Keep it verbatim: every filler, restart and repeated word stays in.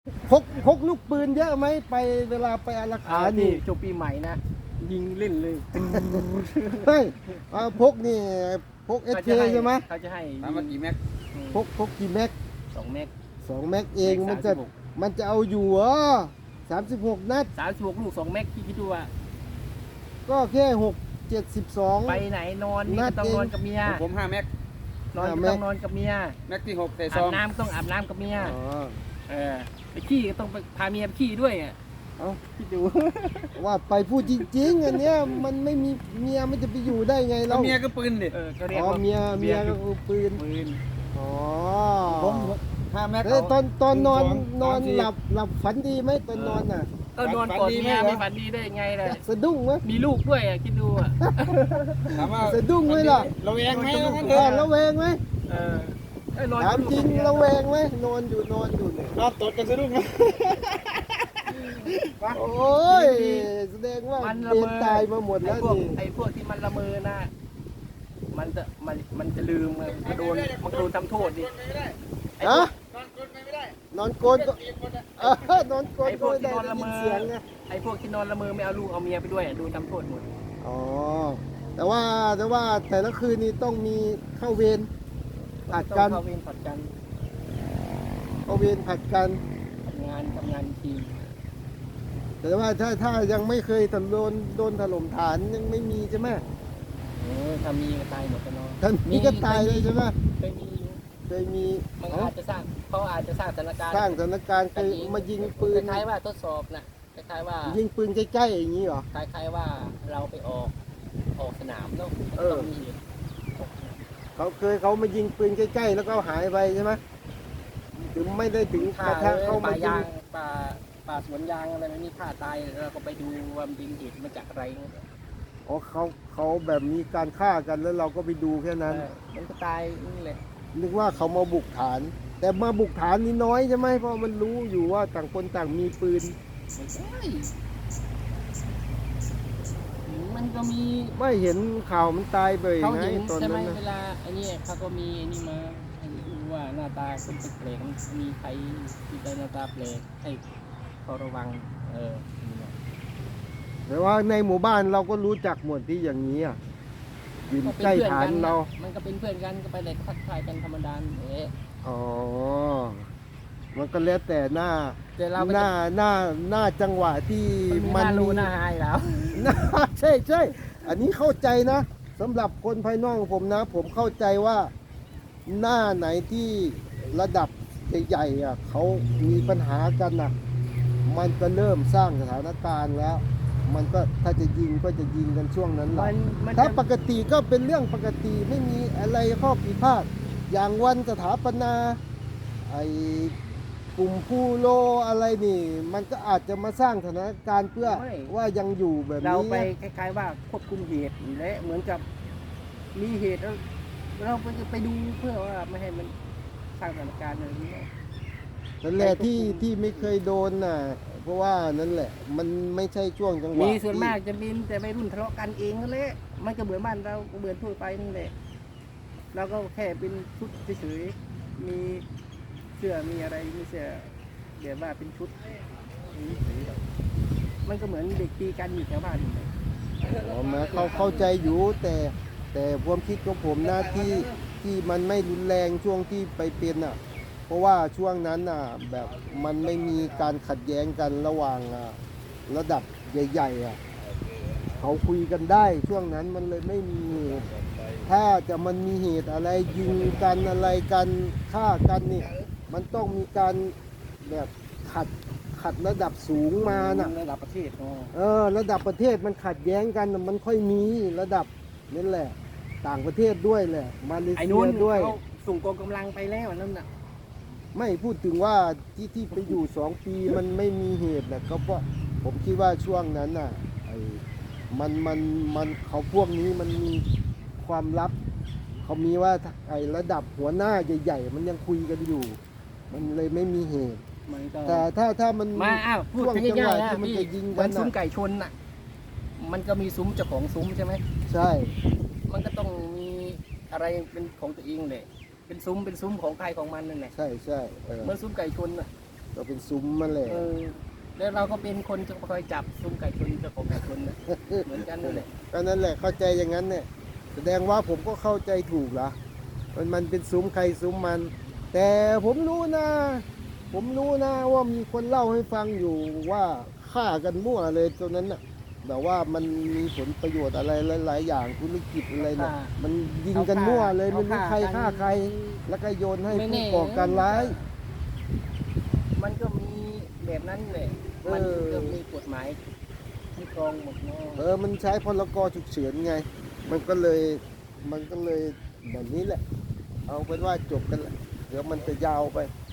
พกพกลูกปืนเยอะไหมไปเวลาไปอารักอ่าขานี่นี่จบปีใหม่นะยิงเล่นเลยเฮ้ยเอาพกนี่พกเอสเคใช่ไหมเขาจะให้ถามว่ากี่แม็กพกพกกี่แม็กสองเมกสองแม็กเองมันจะมันจะเอาอยู่เหรอสามสิบหกนัดสามสิบหกลูกสองเมกพี่คิดดูว่าก็แค่หกเจ็ดสิบสองไปไหนนอนนี่นัก็ดต้องเองนอนกับเมียของผมห้าแม็กนอนห้าก็เมกต้องนอนกับเมียแม็กที่หกแต่ซอาอบ งน้ำต้องอาบน้ำกับเมียอ๋อเออไปขี้ก็ต้องไปพาเมียไปขี้ด้วยอ่ะเอาคิดดูว่าไปพูดจริงๆอันเนี้ยมันไม่มีเมียมันจะไปอยู่ได้ไงแล้เราวเมียก็ปืนดิเออก็เรียกอ๋อว่าเมียเมียก็คือปืนปืนอ๋อผมห้าแม็กเอ้ยตอนตอนนอนหงสงนอนสามสี่หลับหลับฝันดีไหมตอนนอนน่ะก็นอนกอดฝันดีเมียไหมไม่เหรอฝันดีได้ยังไงล่ะสะดุ้งไหมมีลูกด้วยอ่ะคิดดูอ่ะถามว่าสะดุ้งไหมล่ะเราเองไหมว่างั้นเถเอออะระแวงไหมเออเอ้ยนอนถามจริงกับระลูกแวงไหมนอนอยู่นอนอยู่เนี่ยนอนตดกันสะดุ้งนะโอ้ยแสดงว่ามันเรีละยเมนอตายมาหมดไอ้แล้วพวกนี่ไอ้พวกที่มันละเมอนะมันจะมันมันจะลืมไงมันโดนมันโดนทำโทษดิไอ้พวฮะกนอนกดไปไม่ได้นอนโกนก็เออนอนโกนไอ้พก็วกไม่ที่ได้นอนได้ละยิเมนอเสียงไงไอ้พวกที่นอนละเมอไม่เอาลูกเอาเมียไปด้วยอ่ะโดนทำโทษหมดอ๋อแต่ว่าแต่ว่าแต่ละคืนนี้ต้องมีเข้าเวรผัดต้องกันเข้าเวรผัดกันเข้าเวรผัดกันทำงานทำงานทีมแต่ว่าถ้าถ้ายังไม่เคยถโดนโดนถล่มฐานยังไม่มีใช่ไหมเออถ้ามีก็ตายหมดกันเนาะท่านมีก็ตายเลยใช่ไหมเคยมีอยู่เคยมีมันเอ้าอาจจะสร้างเขาอาจจะสร้างสถานการณ์สร้างสถานการณ์เคยมายิงปืนคล้ายๆว่าทดสอบนะคล้ายๆว่ายิงปืนใกล้ๆอย่างนี้เหรอคล้ายๆว่าเราไปออกออกสนามเนาะเออต้องมีเหตุเขาเคยเขามายิงปืนใกล้ๆแล้วก็หายไปใช่ไหมถึงไม่ได้ถึงกระทั่งเข้าป่ามายิยาง งป่าป่าสวนยางอะไรมันมีฆ่าตายเราก็ไปดูว่ามันเป็นเหตุมาจากอะไรอ๋อเขาเขาแบบมีการฆ่ากันแล้วเราก็ไปดูแค่นั้นเออมันก็ตายนี่แหละนึกว่าเขามาบุกฐาน แต่มาบุกฐานนี่น้อยใช่ไหมเพราะมันรู้อยู่ว่าต่างคนต่างมีปืนไม่ใช่มันก็มีไม่เห็นข่าวมันตายไปเขาไงเห็นตอนใช่ไหมนั้นนะเวลาไอ้นี่เขาก็มีไอ้นี่มาให้ดูว่าหน้าตาคนแปลกๆมันมีใครที่ได้หน้าตาแปลกให้เขาระวังเออนี่แหละแต่ว่าในหมู่บ้านเราก็รู้จักหมดที่อย่างนี้อ่ะยืนก็เป็นใกล้เพื่อนฐานกันเรานะมันก็เป็นเพื่อนกันก็ไปเลยทักทายกันธรรมดาเอ๊ะอ๋อ มันก็แล้วแต่หน้าแต่เราหน้าหน้าหน้าจังหวะที่มันมีหมันน้ารู้มีหน้าหายแล้วน่า ใช่ใช่ อันนี้เข้าใจนะสำหรับคนภายนอกของผมนะ ผมเข้าใจว่าหน้าไหนที่ระดับใหญ่ๆอ่ะเขามีปัญหากันนะมันก็เริ่มสร้างสถานการณ์แล้ว มันก็ถ้าจะยิงก็จะยิงกันช่วงนั้นแหละมันมันถ้าจะปกติก็เป็นเรื่องปกติไม่มีอะไรข้อผิดพลาดอย่างวันสถาปนาไอ้กลุ่มผู้โลอะไรนี่ มันก็อาจจะมาสร้างสถานการณ์เพื่อว่ายังอยู่แบบเรานี้ไปคล้ายๆว่าควบคุมเหตุและเหมือนกับมีเหตุแล้วเราไปไปดูเพื่อว่าไม่ให้มันสร้างสถานการณ์อะไรนี้นั่นแหละที่ที่ไม่เคยโดนน่ะ เพราะว่านั่นแหละ มันไม่ใช่ช่วงจังหวะมีส่วนที่มากจะเป็นแต่ไม่รุ่นทะเลาะกันเองนั่นแหละมันก็เหมือนบ้านเราก็เหมือนทั่วไปนั่นแหละเราก็แค่เป็นชุดเฉยๆมีเสื้อมีอะไรมีเสื้อเดี๋ยวว่าเป็นชุดมันก็เหมือนเด็กตีกันอยู่แถวบ้านนี่แหละอ๋อมาเขาเข้าใจอยู่แต่แต่ความคิดของผมนะที่ที่มันไม่รุนแรงช่วงที่ไปเป็นอ่ะ เพราะว่าช่วงนั้นน่ะแบบมันไม่มีการขัดแย้งกันระหว่างอ่ะระดับใหญ่ๆอ่ะเขาคุยกันได้ช่วงนั้นมันเลยไม่มีเหตุถ้าจะมันมีเหตุอะไรยิงกันอะไรกันฆ่ากันนี่มันต้องมีการแบบขัดขัดระดับสูงมาน่ะระดับประเทศอ๋อเออระดับประเทศมันขัดแย้งกันน่ะมันค่อยมีระดับนั่นแหละ ต่างประเทศด้วยแหละมาเลไอ้เซีนู้นยด้วยเขาส่งกองกำลังไปแล้วนั่นน่ะไม่พูดถึงว่าที่ที่ไปอยู่สองปีมันไม่มีเหตุนะก็เพราะผมคิดว่าช่วงนั้นน่ะไอ้มันมันมันเขาพวกนี้มันมีความลับ เขามีว่าไอ้ระดับหัวหน้าใหญ่ๆมันยังคุยกันอยู่ มันเลยไม่มีเหตุมันก็แต่ถ้าถ้ามันมาอ้าวพูดช่วงถึงจังหง่าวะยๆนะที่มันพี่จะยิงเหกัมัน นซุ้มน่ะไก่ชนน่ะ มันก็มีซุ้มเจ้าของซุ้มใช่ไหมใช่มันก็ต้องมีอะไรเป็นของตัวเองเลยเป็นซุ้มเป็นซุ้มของใครของมันนั่นแหละใช่ใช่เออเหมื่อนซุ้มไก่ชนน่ะก็เป็นซุ้มมาแหละเออแล้วเราก็เป็นคนจะคอยจับซุ้มไก่ชนเจ้าของไก่ชนนะเหมือนกันนั่นแหละก็นั่นแหละเข้าใจอย่างนั้นเนี่ยแสดงว่าผมก็เข้าใจถูกละมันมันเป็นซุ้มใครซุ้มมัน แต่ผมรู้นะ ผมรู้นะว่ามีคนเล่าให้ฟังอยู่ว่าฆ่ากันมั่วเลยตรงนั้นน่ะแบบว่ามันมีผลประโยชน์อะไรหลายๆอย่างธุรกิจอะไรเนี่ยมันยิงกันมั่วเลยไม่รู้ใครฆ่าใคร แล้วก็โยนให้ผู้ก่อการร้ายมันก็มีแบบนั้นแหละเออมันก็มีกฎหมายที่กรองหมดเนาะเออมันใช้พรกฉุกเฉินไง มันก็เลยมันก็เลยแบบนี้แหละ เอาเป็นว่าจบกันแหละเดี๋ยวมันจะยาวไปเ